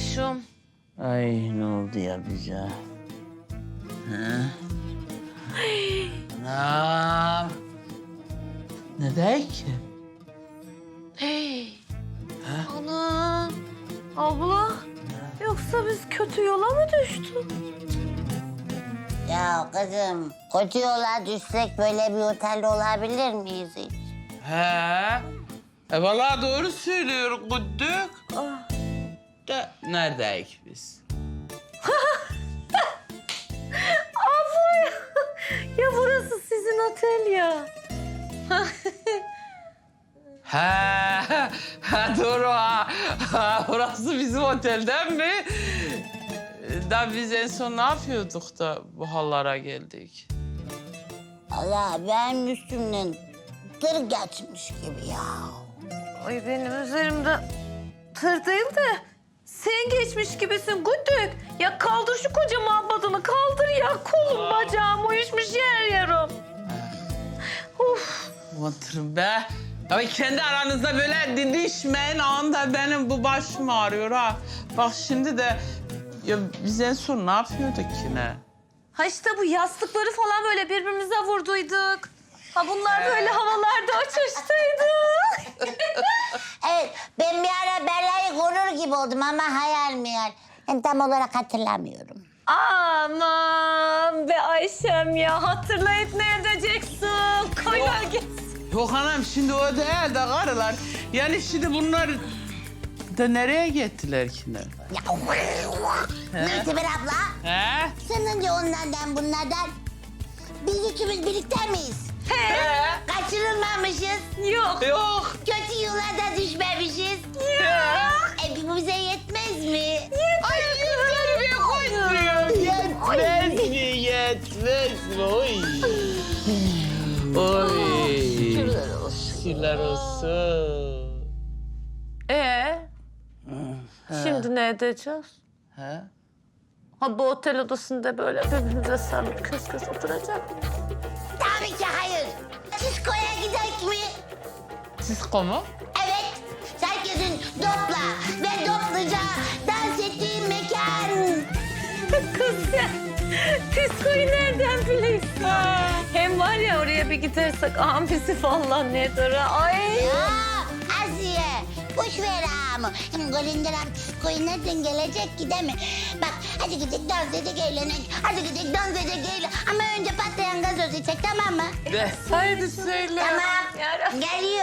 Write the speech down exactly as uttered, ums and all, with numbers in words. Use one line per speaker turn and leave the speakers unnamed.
olmuşum.
Ay ne oldu ya bize? He? Anam. Ne der ki?
Hey. Ana. Abla. Yoksa biz kötü yola mı düştük?
Ya kızım, kötü yola düşsek böyle bir otelde olabilir miyiz hiç?
He. E vallahi doğru söylüyor Güddük.
Ah.
Da neredeyiz biz?
Abla ya. Ya burası sizin otel ya.
Ha, ha doğru ha. Ha, burası bizim otelden mi? Da biz en son ne yapıyorduk da bu hallara geldik?
Allah benim üstümden tır geçmiş gibi ya.
Ay benim üzerimde tır değil de sen geçmiş gibisin Güdük. Ya kaldır şu kocaman badını kaldır ya. Kolum bacağım uyuşmuş yer yarım. Uf.
Oturun be. Ama kendi aranızda böyle didişmeyin. Anda benim bu başım ağrıyor ha. Bak şimdi de ya biz en son ne yapıyorduk ki ne?
Ha işte bu yastıkları falan böyle birbirimize vurduyduk. Ha bunlar böyle havalarda uçuştuydu.
Evet, ben bir ara belayı korur gibi oldum ama hayal meyal. Ben tam olarak hatırlamıyorum.
Aman be Ayşem ya hatırlayıp ne edeceksin? Koy ver gitsin.
Yok anam şimdi o değil de karılar. Yani şimdi bunlar da nereye gittiler ki ne?
Ya, Nurteber abla,
He?
sen önce onlardan bunlardan biz üçümüz birlikte miyiz?
He?
Kaçırılmamışız,
Yok.
Yok.
kötü yola da düşmemişiz.
Yok.
E bu bize yetmez mi?
Ay yeter mi koymuyor? Yetmez mi? Yetmez mi? Oy. Oy.
Şükürler olsun.
Şükürler olsun.
Ee? Şimdi ne edeceğiz?
He?
Ha bu otel odasında böyle birbirimize sarılıp kös kös oturacak mıyız?
Tabii ki hayır. Diskoya gidelim mi?
Sisko mu?
Evet. Herkesin dopla ve dopluca dans ettiği mekan.
Kız sen diskoyu nereden biliyorsun? Hem var ya oraya bir gidersek amfisi falan nedir? Ay.
Ya Asiye, boş ver ağamı. Hem Golinderam diskoyu nereden gelecek ki değil mi? Bak hadi gidelim dans edek eğlenek. Hadi gidelim dans edek eğlen. Ama önce patlayan gazoz içecek tamam mı?
De. Haydi söyle.
Tamam.
Yarabbim.
Geliyor.